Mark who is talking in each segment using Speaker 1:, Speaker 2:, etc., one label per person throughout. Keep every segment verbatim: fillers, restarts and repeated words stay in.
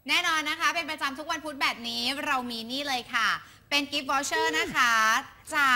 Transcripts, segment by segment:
Speaker 1: แน่นอนนะคะเป็นประจำทุกวันพุธแบบนี้เรามีนี่เลยค่ะเป็นกิฟต์วอเชอร์นะคะจาก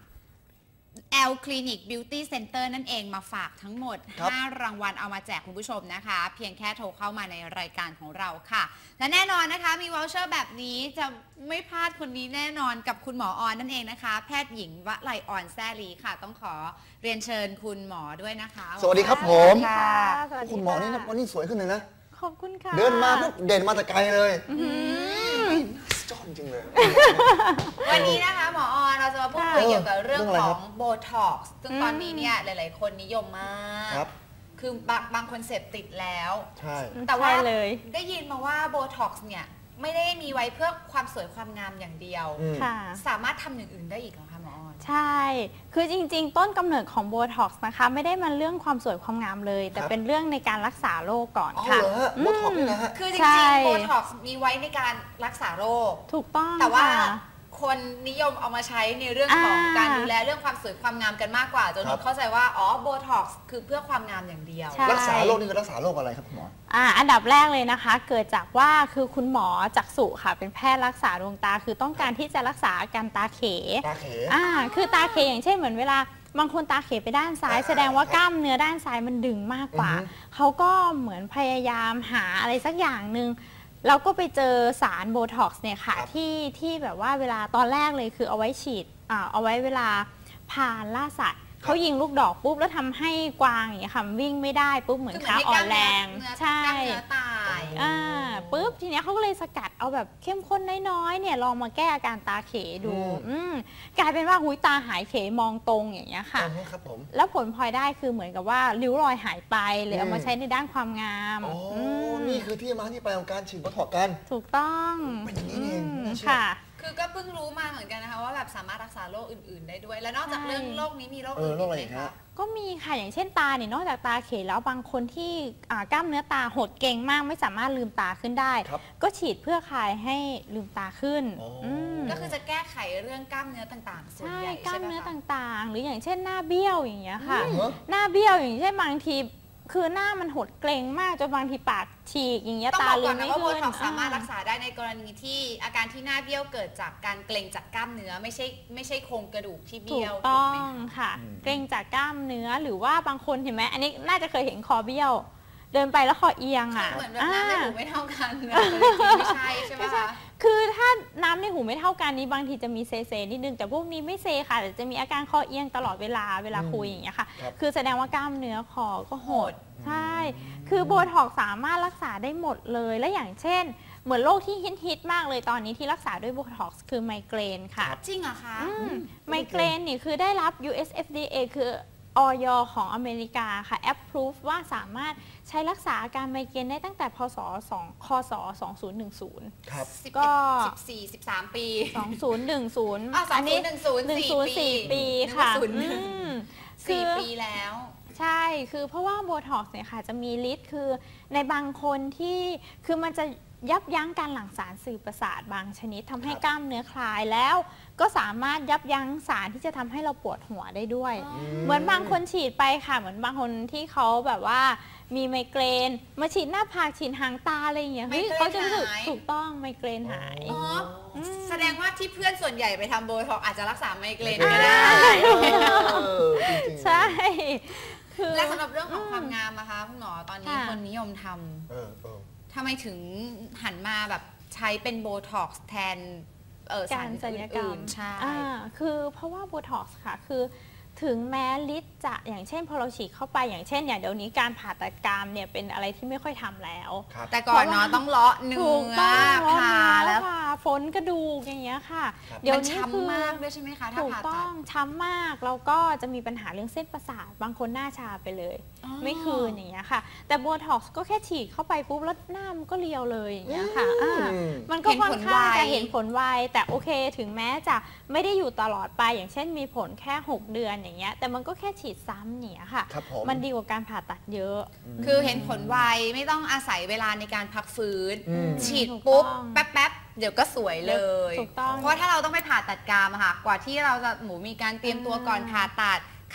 Speaker 1: L Clinic Beauty Center นั่นเองมาฝากทั้งหมดห้ารางวัลเอามาแจกคุณผู้ชมนะคะเพียงแค่โทรเข้ามาในรายการของเราค่ะและแน่นอนนะคะมีวอเชอร์แบบนี้จะไม่พลาดคนนี้แน่นอนกับคุณหมอออนนั่นเองนะคะแพทย์หญิงวลัยออนแซ่ลีค่ะต้องขอเรียนเชิญคุณหมอด้วยนะคะ
Speaker 2: สวัสดีครับผม
Speaker 3: คุ
Speaker 2: ณหมอนี่วันนี้สวยขึ้นเลยนะ
Speaker 3: ขอบคุณค่ะ
Speaker 2: เดินมาปุ๊บเด่นมาแต่ไกลเลยจอดจริงเลย
Speaker 1: วันนี้นะคะหมอออนเราจะมาพูดคุยเกี่ยวกับเรื่องของโบท็อกซ์ซึ่งตอนนี้เนี่ยหลายๆคนนิยมมากคือบางบางคนเสพติดแล้ว
Speaker 2: ใช่
Speaker 1: แต่ว่าได้ยินมาว่าโบท็อกซ์เนี่ยไม่ได้มีไว้เพื่อความสวยความงามอย่างเดียวสามารถทำอย่างอื่นได้อีกเหรอคะหมอออน
Speaker 3: ใช่คือจริงๆต้นกำเนิดของโบท็อกซ์นะคะไม่ได้มาเรื่องความสวยความงามเลยแต่เป็นเรื่องในการรักษาโรคก่อนค่ะ
Speaker 2: โบท็อกซ์นี่นะฮะ
Speaker 1: คือจริงๆโบท็อกซ์มีไว้ในการรักษาโรค
Speaker 3: ถูกต้อง
Speaker 1: แต่ว่าคนนิยมเอามาใช้ในเรื่องของการดูแลเรื่องความสวยความงามกันมากกว่าจนเข้าใจว่าอ๋อโบท็อกซ์คือเพื่อความงามอย่างเดียว
Speaker 2: รักษาโรคนี่คือรักษาโรคอะไรครับคุณหมอ
Speaker 3: อ่าอันดับแรกเลยนะคะเกิดจากว่าคือคุณหมอจักษุค่ะเป็นแพทย์รักษาดวงตาคือต้องการที่จะรักษาอาการตาเข
Speaker 2: ตาเข
Speaker 3: อ่าคือตาเขอย่างเช่นเหมือนเวลาบางคนตาเขไปด้านซ้ายแสดงว่ากล้ามเนื้อด้านซ้ายมันดึงมากกว่าเขาก็เหมือนพยายามหาอะไรสักอย่างหนึ่งเราก็ไปเจอสารโบท็อกซ์เนี่ยค่ะที่ที่แบบว่าเวลาตอนแรกเลยคือเอาไว้ฉีดอ่าเอาไว้เวลาพาล่าสัตว์เขายิงลูกดอกปุ๊บแล้วทำให้กวางอย่างเงี้ยค่ะวิ่งไม่ได้ปุ๊บเหมือนขาอ่อนแรง
Speaker 1: ใช่ตาย
Speaker 3: อ่าปุ๊บทีเนี้ยเขาก็เลยสกัดเอาแบบเข้มข้นน้อยๆเนี่ยลองมาแก้อาการตาเขดูอืมกลายเป็นว่าหุยตาหายเขมองตรงอย่างเงี้ยค่ะ
Speaker 2: ครับผม
Speaker 3: แล้วผลพลอยได้คือเหมือนกับว่าริ้วรอยหายไปเลยเอามาใช้ในด้านความงาม
Speaker 2: โอ้นี่คือที่มาที่ไปของการฉีดโบท็อกซ์กัน
Speaker 3: ถูกต้อง
Speaker 2: เป็นอย่างนี้เอง
Speaker 3: ค่ะ
Speaker 1: คือก็เพิ่งรู้มาเหมือนกันนะคะว่าแบบสามารถรักษาโรคอื่นๆได้ด้วยและนอกจากเรื่องโรคนี้มีโรคอื่นอีกไหมคะ
Speaker 3: ก็มีค่ะอย่างเช่นตาเนี่ยนอกจากตาเขแล้วบางคนที่กล้ามเนื้อตาหดเก่งมากไม่สามารถลืมตาขึ้นได้ก็ฉีดเพื่อคลายให้ลืมตาขึ้น
Speaker 1: ก็คือจะแก้ไขเรื่องกล้ามเนื้อต่างๆส่วนใหญ่
Speaker 3: ใช่กล้ามเนื้อต่างๆหรืออย่างเช่นหน้าเบี้ยวอย่างเงี้ยค่ะหน้าเบี้ยวอย่างเช่นบางทีคือหน้ามันหดเกร็งมากจนบางทีปากฉีกอย่างเงี้ยตาลืมไม่ขึ้น
Speaker 1: ต้องบอกก่อนนะว่าโบท็อกซ์สามารถรักษาได้ในกรณีที่อาการที่หน้าเบี้ยวเกิดจากการเกร็งจากกล้ามเนื้อไม่ใช่ไม่ใช่โครงกระดูกที่เบี้ยว
Speaker 3: ถูกต้องค่ะเกร็งจากกล้ามเนื้อหรือว่าบางคนเห็นไหมอันนี้น่าจะเคยเห็นคอเบี้ยวเดินไปแล้วคอเอียงอ่ะ
Speaker 1: เหมือนแบบน้ำในหูไม่เท่ากันไม่ใช่ใช่ไหมคะ
Speaker 3: คือถ้าน้ำในหูไม่เท่ากันนี้บางทีจะมีเซเซนิดนึงแต่พวกนี้ไม่เซค่ะแต่จะมีอาการคอเอียงตลอดเวลาเวลาคุยอย่างเงี้ยค่ะคือแสดงว่ากล้ามเนื้อคอก็หดใช่คือโบท็อกซ์สามารถรักษาได้หมดเลยและอย่างเช่นเหมือนโรคที่ฮิตๆมากเลยตอนนี้ที่รักษาด้วยโบท็อกซ์คือไมเกรนค่ะ
Speaker 1: จริงเหรอคะ
Speaker 3: ไมเกรนนี่คือได้รับ ยู เอส เอฟ ดี เอ คือออย ของอเมริกาค่ะ approve ว่าสามารถใช้รักษาอาการไมเกรนได้ตั้งแต่พศ2คศสองพันสิบ
Speaker 2: ครับ
Speaker 1: ก็สิบสี่ สิบสามปี
Speaker 3: สองพันสิบ
Speaker 1: อันนี้หนึ่งศูนย์สี่
Speaker 3: ปีค่ะ
Speaker 1: สี่ปีแล้ว
Speaker 3: ใช่คือเพราะว่าโบท็อกซ์เนี่ยค่ะจะมีฤทธิ์คือในบางคนที่คือมันจะยับยั้งการหลั่งสารสื่อประสาทบางชนิดทำให้กล้ามเนื้อคลายแล้วก็สามารถยับยั้งสารที่จะทำให้เราปวดหัวได้ด้วยเหมือนบางคนฉีดไปค่ะเหมือนบางคนที่เขาแบบว่ามีไมเกรนมาฉีดหน้าผากฉีดหางตาอะไรอย่างเงี้ยเฮ้ยเขาจะรู้สึกถูกต้องไมเกรนหาย
Speaker 1: อ๋อแสดงว่าที่เพื่อนส่วนใหญ่ไปทำโบท็อกซ์อาจจะรักษาไมเกรนไม่ได้
Speaker 3: ใช่
Speaker 1: และสำหรับเรื่องของความงามนะคะคุณหมอตอนนี้คนนิยมทำทำไมถึงหันมาแบบใช้เป็นโบท็อกซ์แทน
Speaker 3: สารศัลยกรรมใช่คือเพราะว่าโบท็อกซ์ค่ะคือถึงแม้ฤทธิ์จะอย่างเช่นพอเราฉีดเข้าไปอย่างเช่นอย่างเดี๋ยวนี้การผ่าตัดกรามเนี่ยเป็นอะไรที่ไม่ค่อยทำแล้ว
Speaker 1: แต่ก่อนเนาะต้องเลาะเนื้อผ่าแล้ว
Speaker 3: ฝนกระดูกอย่างเงี้ยค่ะ
Speaker 1: เดี๋ยวนี้ช้ำมากด้วยใช่ไหมคะถ้าผ่าตัดถูกต้อง
Speaker 3: ช้ำมากแล้วก็จะมีปัญหาเรื่องเส้นประสาทบางคนหน้าชาไปเลยไม่คืนอย่างเงี้ยค่ะแต่โบท็อกซ์ก็แค่ฉีดเข้าไปปุ๊บแล้วหน้ามันก็เรียวเลยอย่างเงี้ยค่ะมันก็ค่อนข้างจะเห็นผลไวแต่โอเคถึงแม้จะไม่ได้อยู่ตลอดไปอย่างเช่นมีผลแค่หกเดือนอย่างเงี้ยแต่มันก็แค่ฉีดซ้ำเนี่ยค่ะมันดีกว่าการผ่าตัดเยอะ
Speaker 1: คือเห็นผลไวไม่ต้องอาศัยเวลาในการพักฟื้นฉีดปุ๊บแป๊บๆเดี๋ยวก็สวยเลยเพราะถ้าเราต้องไปผ่าตัดกรามอะค่ะกว่าที่เราจะหมูมีการเตรียมตัวก่อนผ่าตัด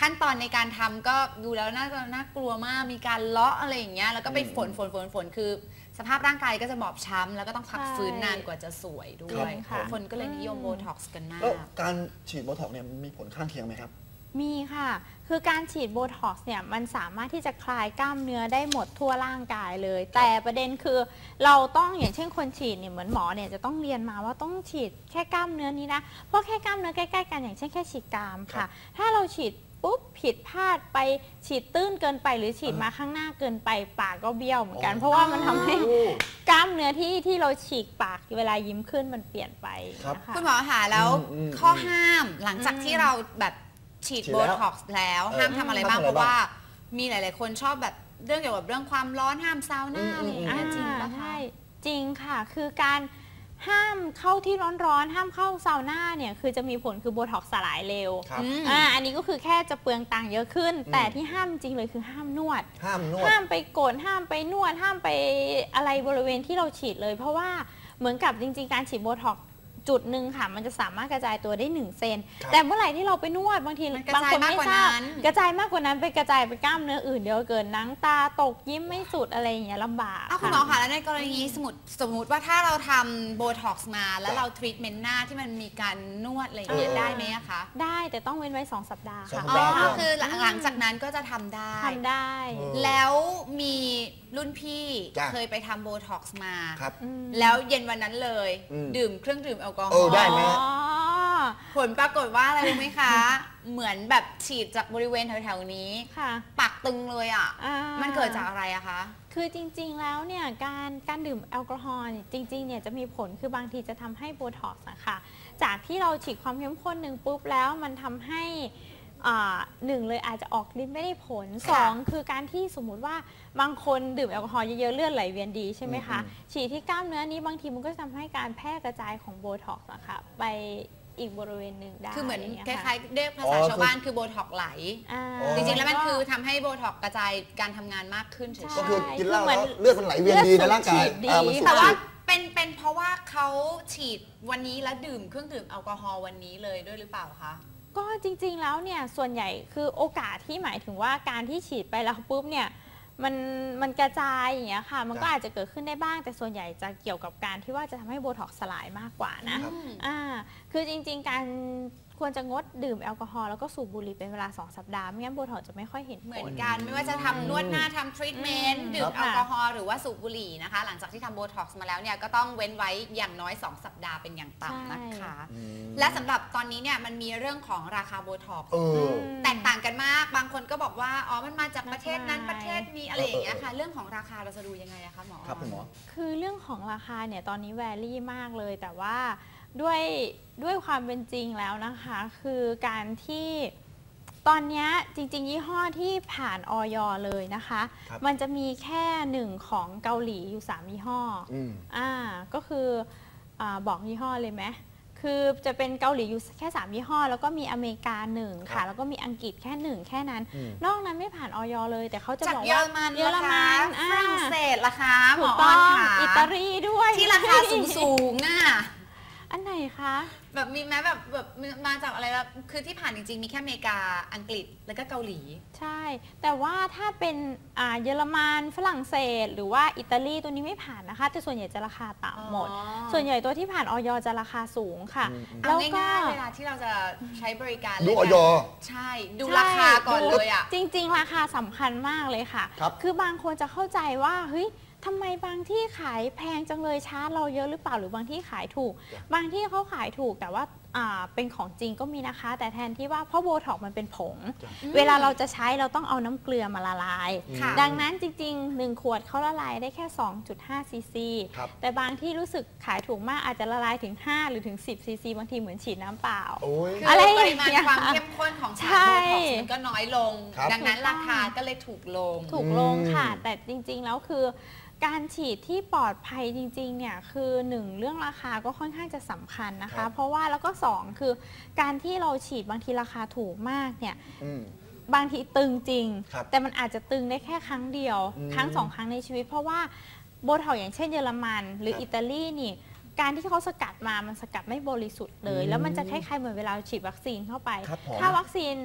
Speaker 1: ขั้นตอนในการทำก็ดูแล้วน่าจะน่ากลัวมากมีการเลาะอะไรอย่างเงี้ยแล้วก็ไปฝนฝนฝนฝนคือสภาพร่างกายก็จะบอบช้ำแล้วก็ต้องพักฟื้นนานกว่าจะสวยด้วยคนก็เลยนิยมโบท็อกซ์กันมาก
Speaker 2: แล้วการฉีดโบท็อกซ์เนี่ยมีผลข้างเคียงไหมครับ
Speaker 3: มีค่ะคือการฉีดโบท็อกซ์เนี่ยมันสามารถที่จะคลายกล้ามเนื้อได้หมดทั่วร่างกายเลยแต่ประเด็นคือเราต้องอย่างเช่นคนฉีดเนี่ยเหมือนหมอเนี่ยจะต้องเรียนมาว่าต้องฉีดแค่กล้ามเนื้อนี้นะเพราะแค่กล้ามเนื้อใกล้ๆกันอย่างเช่นแค่ฉีดกรามค่ะถ้าเราฉีดปุ๊บผิดพลาดไปฉีดตื้นเกินไปหรือฉีดมาข้างหน้าเกินไปปากก็เบี้ยวเหมือนกันเพราะว่ามันทำให้กล้ามเนื้อที่ที่เราฉีกปากเวลายิ้มขึ้นมันเปลี่ยนไปนะคะ
Speaker 1: คุณหมอคะแล้วข้อห้ามหลังจากที่เราแบบฉีดโบท็อกซ์แล้วห้ามทำอะไรบ้างเพราะว่ามีหลายๆคนชอบแบบเรื่องเกี่ยวกับเรื่องความร้อนห้ามซาวน่าอะไรอย่างเงี้ยจริงปะคะ
Speaker 3: ใช่จริงค่ะคือการห้ามเข้าที่ร้อนๆห้ามเข้าซาวน่าเนี่ยคือจะมีผลคือโบท็อกซ์สลายเร็วอ่าอันนี้ก็คือแค่จะเปลืองตังค์เยอะขึ้นแต่ที่ห้ามจริงเลยคือห้ามนวด
Speaker 2: ห้ามนวด
Speaker 3: ห้ามไปกดห้ามไปนวดห้ามไปอะไรบริเวณที่เราฉีดเลยเพราะว่าเหมือนกับจริงๆการฉีดโบท็อกซ์จุดหนึ่งค่ะมันจะสามารถกระจายตัวได้หนึ่งเซนแต่เมื่อไหร่ที่เราไปนวดบางทีบางคนไม่ทราบกระจายมากกว่านั้นไปกระจายไปกล้ามเนื้ออื่นเดี๋ยวเกิดหนังตาตกยิ้มไม่สุดอะไรอย่างเงี้ยลำบาก
Speaker 1: คุณหมอคะแล้วในกรณีสมมติสมมติว่าถ้าเราทำโบท็อกซ์มาแล้วเราทรีทเมนต์หน้าที่มันมีการนวดอะไรอย่างเงี้ยได้ไหมคะ
Speaker 3: ได้แต่ต้องเว้นไว้สองสัปดาห์ค่ะ
Speaker 1: อ๋อคือหลังจากนั้นก็จะทำได้
Speaker 3: ทำได้
Speaker 1: แล้วมีรุ่นพี่เคยไปทำโบท็อกซ์มาแล้วเย็นวันนั้นเลยดื่มเครื่องดื่มแอลกอฮอล์
Speaker 2: ได้ไหม
Speaker 1: ผลปรากฏว่าอะไรรู้ไหมคะเหมือนแบบฉีดจากบริเวณแถวๆนี้ปากตึงเลยอ่ะมันเกิดจากอะไรอะคะ
Speaker 3: คือจริงๆแล้วเนี่ยการการดื่มแอลกอฮอล์จริงๆเนี่ยจะมีผลคือบางทีจะทำให้โบท็อกซ์นะคะจากที่เราฉีดความเข้มข้นหนึ่งปุ๊บแล้วมันทำให้หนึ่งเลยอาจจะออกฤทธิ์ไม่ได้ผลสองคือการที่สมมุติว่าบางคนดื่มแอลกอฮอล์เยอะๆเลือดไหลเวียนดีใช่ไหมคะฉีดที่กล้ามเนื้อนี้บางทีมันก็จะทำให้การแพร่กระจายของโบท็อกซ์นะคะไปอีกบริเวณหนึ่งได้
Speaker 1: คือเหมือนคล้ายๆเรียกภาษาชาวบ้านคือโบท็อกซ์ไหลจริงๆแล้วมันคือทำให้โบท็อกซ์กระจายการทำงานมากขึ้นเฉยๆ
Speaker 2: ก็คือกินเหล้าแล้วเลือดมันไหลเวียนดีในร่างกาย
Speaker 1: แต่ว่าเป็นเป็นเพราะว่าเขาฉีดวันนี้แล้วดื่มเครื่องดื่มแอลกอฮอล์วันนี้เลยด้วยหรือเปล่าคะ
Speaker 3: ก็จริงๆแล้วเนี่ยส่วนใหญ่คือโอกาสที่หมายถึงว่าการที่ฉีดไปแล้วปุ๊บเนี่ยมันมันกระจายอย่างเงี้ยค่ะมันก็อาจจะเกิดขึ้นได้บ้างแต่ส่วนใหญ่จะเกี่ยวกับการที่ว่าจะทำให้โบท็อกซ์สลายมากกว่านะอ่าคือจริงๆการควรจะงดดื่มแอลกอฮอล์แล้วก็สูบบุหรี่เป็นเวลาสองสัปดาห์ไม่งั้นโบท็อกซ์จะไม่ค่อยเห็นผล
Speaker 1: เหมือนกันไม่ว่าจะทำนวดหน้าทำทรีทเมนต์ดื่มแอลกอฮอล์หรือว่าสูบบุหรี่นะคะหลังจากที่ทำโบท็อกซ์มาแล้วเนี่ยก็ต้องเว้นไว้อย่างน้อยสองสัปดาห์เป็นอย่างต่ำนะคะและสำหรับตอนนี้เนี่ยมันมีเรื่องของราคาโบท็อกซ์แตกต่างกันมากบางคนก็บอกว่าอ๋อมันมาจากประเทศนั้นประเทศนี้อะไรอย่างเงี้ยค่ะเรื่องของราคาเราจะดูยังไงอะคะหมอ
Speaker 2: ครับคุณหมอ
Speaker 3: คือเรื่องของราคาเนี่ยตอนนี้แวรี่มากเลยแต่ว่าด้วยด้วยความเป็นจริงแล้วนะคะคือการที่ตอนนี้จริงๆยี่ห้อที่ผ่านออยเลยนะคะมันจะมีแค่หนึ่งของเกาหลีอยู่สามยี่ห้ออ่าก็คืออ่าบอกยี่ห้อเลยไหมคือจะเป็นเกาหลีอยู่แค่สามยี่ห้อแล้วก็มีอเมริกาหนึ่งค่ะแล้วก็มีอังกฤษแค่หนึ่งแค่นั้นนอกนั้นไม่ผ่านออยเลยแต่เขาจะบอกว่า
Speaker 1: เยอรมันฝรั่งเศสราคาหมอ
Speaker 3: ออนค่ะอิตาลีด้วย
Speaker 1: ที่ราคาสูงๆอ่ะ
Speaker 3: อันไหนคะ
Speaker 1: แบบมีไหมแบบแบบมาจากอะไรแบบคือที่ผ่านจริงๆมีแค่อเมริกาอังกฤษแล้วก็เกาหลี
Speaker 3: ใช่แต่ว่าถ้าเป็นอ่าเยอรมันฝรั่งเศสหรือว่าอิตาลีตัวนี้ไม่ผ่านนะคะแต่ส่วนใหญ่จะราคาต่ำหมดส่วนใหญ่ตัวที่ผ่านออยจะราคาสูงค่ะ
Speaker 1: แล้วก็เวลาที่เราจะใช้บริการ
Speaker 2: ดูออย
Speaker 1: ใช่ดูราคาก่อนเลยอ่ะ
Speaker 3: จริงๆราคาสำคัญมากเลยค่ะคือบางคนจะเข้าใจว่าเฮ้ยทำไมบางที่ขายแพงจังเลยชาร์จเราเยอะหรือเปล่าหรือบางที่ขายถูกบางที่เขาขายถูกแต่ว่าเป็นของจริงก็มีนะคะแต่แทนที่ว่าเพราะโบท็อกมันเป็นผงเวลาเราจะใช้เราต้องเอาน้ำเกลือมาละลายดังนั้นจริงๆหนึ่งขวดเขาละลายได้แค่ สองจุดห้า ซีซีแต่บางที่รู้สึกขายถูกมากอาจจะละลายถึงห้าหรือถึงสิบซีซีบางทีเหมือนฉีดน้ำเปล่า
Speaker 1: อะไรปริมาณความเข้มข้นของสารโบท็อกซ์มันก็น้อยลงดังนั้นราคาก็เลยถูกลง
Speaker 3: ถูกลงค่ะแต่จริงๆแล้วคือการฉีดที่ปลอดภัยจริงๆเนี่ยคือหนึ่งเรื่องราคาก็ค่อนข้างจะสำคัญนะคะเพราะว่าแล้วก็สองคือการที่เราฉีดบางทีราคาถูกมากเนี่ยบางทีตึงจริงแต่มันอาจจะตึงได้แค่ครั้งเดียวครั้งสองครั้งในชีวิตเพราะว่าโบท็อกซ์อย่างเช่นเยอรมันหรืออิตาลีนี่การที่เขาสกัดมามันสกัดไม่บริสุทธิ์เลยแล้วมันจะคล้ายๆเหมือนเวลาฉีดวัคซีนเข้าไปถ้าวัคซีน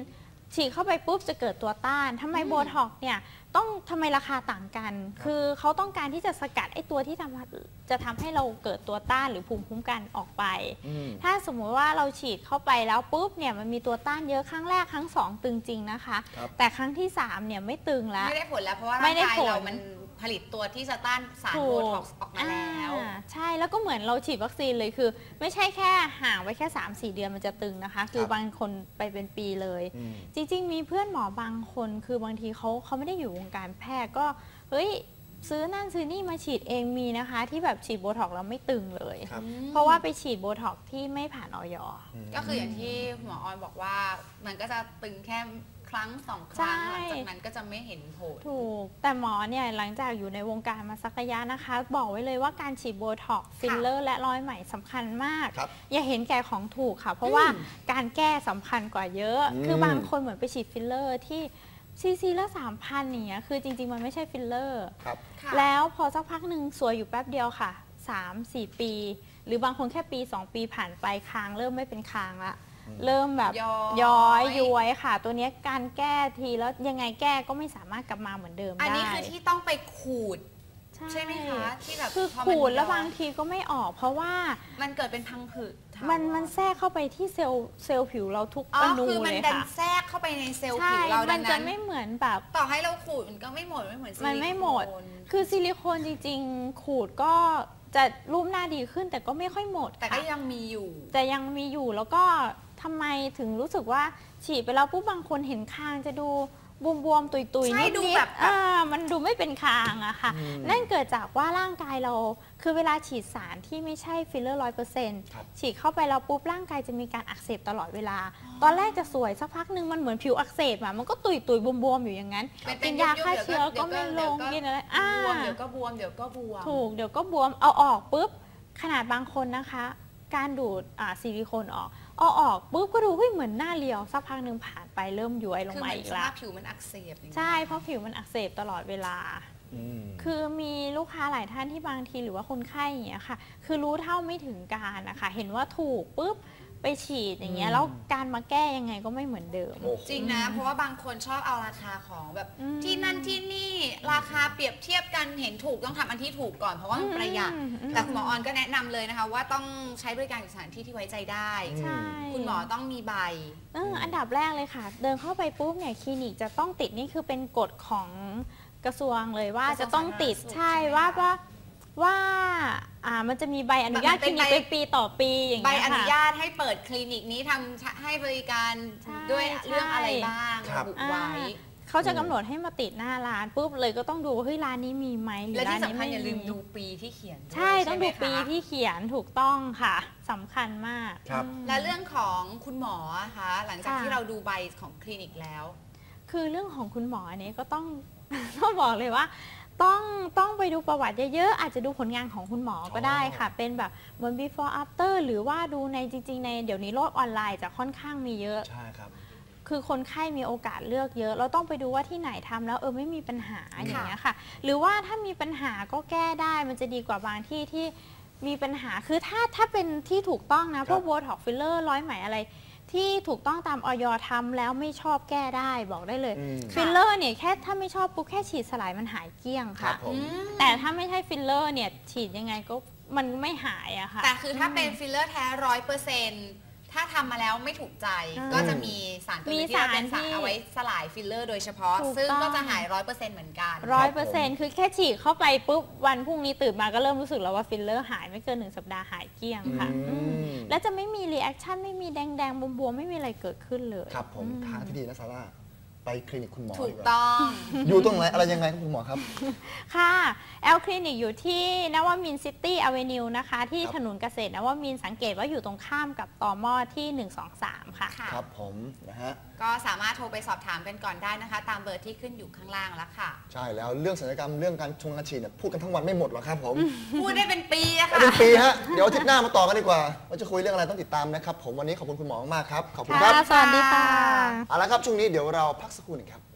Speaker 3: ฉีดเข้าไปปุ๊บจะเกิดตัวต้านทำไมโบท็อกซ์เนี่ยต้องทำไมราคาต่างกัน คือเขาต้องการที่จะสกัดไอ้ตัวที่ทำจะทำให้เราเกิดตัวต้านหรือภูมิคุ้มกันออกไป ถ้าสมมุติว่าเราฉีดเข้าไปแล้วปุ๊บเนี่ยมันมีตัวต้านเยอะครั้งแรกครั้งสองตึงจริงนะคะ แต่ครั้งที่สามเนี่ยไม่ตึงแล้ว
Speaker 1: ไม่ได้ผลแล้วเพราะว่าร่างกายเรามันผลิตตัวที่จะต้านสารโบท็อกซ์ออกมาแล้ว
Speaker 3: ใช่แล้วก็เหมือนเราฉีดวัคซีนเลยคือ ไม่ใช่แค่ห่างไว้แค่ สามสี่ เดือนมันจะตึงนะคะคือบางคนไปเป็นปีเลยจริงๆมีเพื่อนหมอบางคนคือบางทีเขาเขาไม่ได้อยู่วงการแพทย์ก็เฮ้ยซื้อนั่นซื้อนี่มาฉีดเองมีนะคะที่แบบฉีดโบท็อกซ์แล้วไม่ตึงเลยเพราะว่าไปฉีดโบท็อกซ์ที่ไม่ผ่านออย.
Speaker 1: ก็คืออย่างที่หมอออนบอกว่ามันก็จะตึงแค่ครั้งสองครั้งหลังจากนั้นก็จะไม่เห็นผล
Speaker 3: ถูกแต่หมอเนี่ยหลังจากอยู่ในวงการมาสักระยะนะคะ บอกไว้เลยว่าการฉีดโบท็อกซ์ฟิลเลอร์และร้อยไหมสำคัญมากอย่าเห็นแก่ของถูกค่ะเพราะว่าการแก้สำคัญกว่าเยอะคือบางคนเหมือนไปฉีดฟิลเลอร์ที่ซีซีละสามพันอย่างเงี้ยคือจริงๆมันไม่ใช่ฟิลเลอร์แล้วพอสักพักหนึ่งสวยอยู่แป๊บเดียวค่ะ สามสี่ ปีหรือบางคนแค่ปีสองปีผ่านไปคางเริ่มไม่เป็นคางละเริ่มแบบย้อยย้วยค่ะตัวนี้การแก้ทีแล้วยังไงแก้ก็ไม่สามารถกลับมาเหมือนเดิมได้
Speaker 1: อันนี้คือที่ต้องไปขูดใช่ไหมคะที่แบบ
Speaker 3: คือขูดแล้วบางทีก็ไม่ออกเพราะว่า
Speaker 1: มันเกิดเป็นพังผืด
Speaker 3: มันมันแทรกเข้าไปที่เซลล์เซลล์ผิวเราทุกอนูเลยค่ะคือมันดัน
Speaker 1: แทรกเข้าไปในเซลล์ผิวเราดังนั้น
Speaker 3: มันจะไม่เหมือนแบบ
Speaker 1: ต่อให้เราขูดมันก็ไม่หมดไม่เหมือนซิลิโคน
Speaker 3: มันไม่หมดคือซิลิโคนจริงๆขูดก็จะรูปหน้าดีขึ้นแต่ก็ไม่ค่อยหมด
Speaker 1: แต่ก็ยังมีอยู่
Speaker 3: แต่ยังมีอยู่แล้วก็ทำไมถึงรู้สึกว่าฉีดไปแล้วปุ๊บบางคนเห็นคางจะดูบวมๆตุยๆนิดๆแบบอ่ามันดูไม่เป็นคางอะค่ะนั่นเกิดจากว่าร่างกายเราคือเวลาฉีดสารที่ไม่ใช่ฟิลเลอร์ร้อยเปอร์เซ็นต์ฉีดเข้าไปแล้วปุ๊บร่างกายจะมีการอักเสบตลอดเวลาตอนแรกจะสวยสักพักหนึ่งมันเหมือนผิวอักเสบอะมันก็ตุยๆบวมๆอยู่อย่างนั้นกินยาฆ่าเชื้อก็ไม่ลงกินอะไรอ่า
Speaker 1: เดี๋ยวก็บวมเดี๋ยวก็บวม
Speaker 3: ถูกเดี๋ยวก็บวมเอาออกปุ๊บขนาดบางคนนะคะการดูดซิลิโคนออกเอาออกปุ๊บก็ดูเฮ้ยเหมือนหน้าเรียวสักพักหนึ่งผ่านไปเริ่มย้วยลงมาอีกแล้ว
Speaker 1: คือผิวมันอักเสบ
Speaker 3: ใช่เพราะผิวมันอักเสบตลอดเวลาคือมีลูกค้าหลายท่านที่บางทีหรือว่าคนไข้อย่างเงี้ยค่ะคือรู้เท่าไม่ถึงการนะคะเห็นว่าถูกปุ๊บไปฉีดอย่างเงี้ยแล้วการมาแก้ยังไงก็ไม่เหมือนเดิม
Speaker 1: จริงนะเพราะว่าบางคนชอบเอาราคาของแบบที่นั่นที่นี่ราคาเปรียบเทียบกันเห็นถูกต้องทำอันที่ถูกก่อนเพราะว่ามันประหยัดแต่คุณหมอออนก็แนะนำเลยนะคะว่าต้องใช้บริการสถานที่ที่ไว้ใจได้คุณหมอต้องมีใบ
Speaker 3: อันดับแรกเลยค่ะเดินเข้าไปปุ๊บเนี่ยคลินิกจะต้องติดนี่คือเป็นกฎของกระทรวงเลยว่าจะต้องติดใช่ว่าว่าว่าอ่ามันจะมีใบอนุญาตคลินิกเป็นปีต่อปีอย่างเงี้ย
Speaker 1: ค่ะใบอนุญาตให้เปิดคลินิกนี้ทำให้บริการด้วยเรื่องอะไรบ้างระบุไว้
Speaker 3: เขาจะกำหนดให้มาติดหน้าร้านปุ๊บเลยก็ต้องดูว่าเฮ้ยร้านนี้มีไหมหรือร้านนี้ไม่มีและที่สำคัญอย่าลืมดูปีที่เขียนใช่ต้องดูปีที่เขียนถูกต้องค่ะสำคัญมาก
Speaker 1: และเรื่องของคุณหมอคะหลังจากที่เราดูใบของคลินิกแล้ว
Speaker 3: คือเรื่องของคุณหมออันนี้ก็ต้องต้องบอกเลยว่าต้องต้องไปดูประวัติเยอะๆอาจจะดูผลงานของคุณหมอก็ได้ค่ะเป็นแบบบน before after หรือว่าดูในจริงๆในเดี๋ยวนี้โลกออนไลน์จะค่อนข้างมีเยอะ
Speaker 2: ใช่ครับ
Speaker 3: คือคนไข้มีโอกาสเลือกเยอะเราต้องไปดูว่าที่ไหนทำแล้วเออไม่มีปัญหาอย่างเงี้ยค่ะหรือว่าถ้ามีปัญหาก็แก้ได้มันจะดีกว่าบางที่ที่มีปัญหาคือถ้าถ้าเป็นที่ถูกต้องนะพวกโบท็อกซ์ฟิลเลอร์ร้อยไหมอะไรที่ถูกต้องตามออยทำแล้วไม่ชอบแก้ได้บอกได้เลยฟิลเลอร์เนี่ยแค่ถ้าไม่ชอบปุ๊บแค่ฉีดสลายมันหายเกลี้ยงค่ะแต่ถ้าไม่ใช่ฟิลเลอร์เนี่ยฉีดยังไงก็มันไม่หายอะค่ะ
Speaker 1: แต่คือถ้าเป็นฟิลเลอร์แท้ร้อยเปอร์เซ็นต์ถ้าทำมาแล้วไม่ถูกใจก็จะมีสารตัวนี้ที่เป็นสารเอาไว้สลายฟิลเลอร์โดยเฉพาะซึ่งก็จะหายร้อยเปอร์เซ็นต์เหมือนกัน
Speaker 3: ร้อยเปอร์เซ็นต์คือแค่ฉีดเข้าไปปุ๊บวันพรุ่งนี้ตื่นมาก็เริ่มรู้สึกแล้วว่าฟิลเลอร์หายไม่เกินหนึ่งสัปดาห์หายเกลี้ยงค่ะแล้วจะไม่มีรีแอคชั่นไม่มีแดงๆบวมๆไม่มีอะไรเกิดขึ้นเลย
Speaker 2: ครับผมทางที่ดีนะซาร่าไปคลินิกคุณหมอ
Speaker 1: ถูกต้อง
Speaker 2: อยู่ตรงไหนอะไรยังไงครับคุณหมอครับ
Speaker 3: ค่ะแอลคลินิกอยู่ที่นวมินทร์ซิตี้อเวนิวนะคะที่ถนนเกษตรนวมินทร์สังเกตว่าอยู่ตรงข้ามกับตม.ที่หนึ่ง สอง สามค่ะ
Speaker 2: ครับผมนะฮะ
Speaker 1: ก็สามารถโทรไปสอบถามกันก่อนได้นะคะตามเบอร์ที่ขึ้นอยู่ข้างล่างแล้วค่ะ
Speaker 2: ใช่แล้วเรื่องศัลยกรรมเรื่องการชงการฉีดเนี่ยพูดกันทั้งวันไม่หมดหรอกครับผม
Speaker 1: พูดได้เป็นปีอะค่ะ
Speaker 2: เป็นปีฮะเดี๋ยวอาทิตย์หน้ามาต่อกันดีกว่าว่าจะคุยเรื่องอะไรต้องติดตามนะครับผมวันนี้ขอบคุณคุณหมอมากครับขอบคุณครับ
Speaker 3: สวัสดีค่ะ
Speaker 2: เอาละครับช่วงนี้เดี๋ยวเราพักสักครู่หนึ่งครับ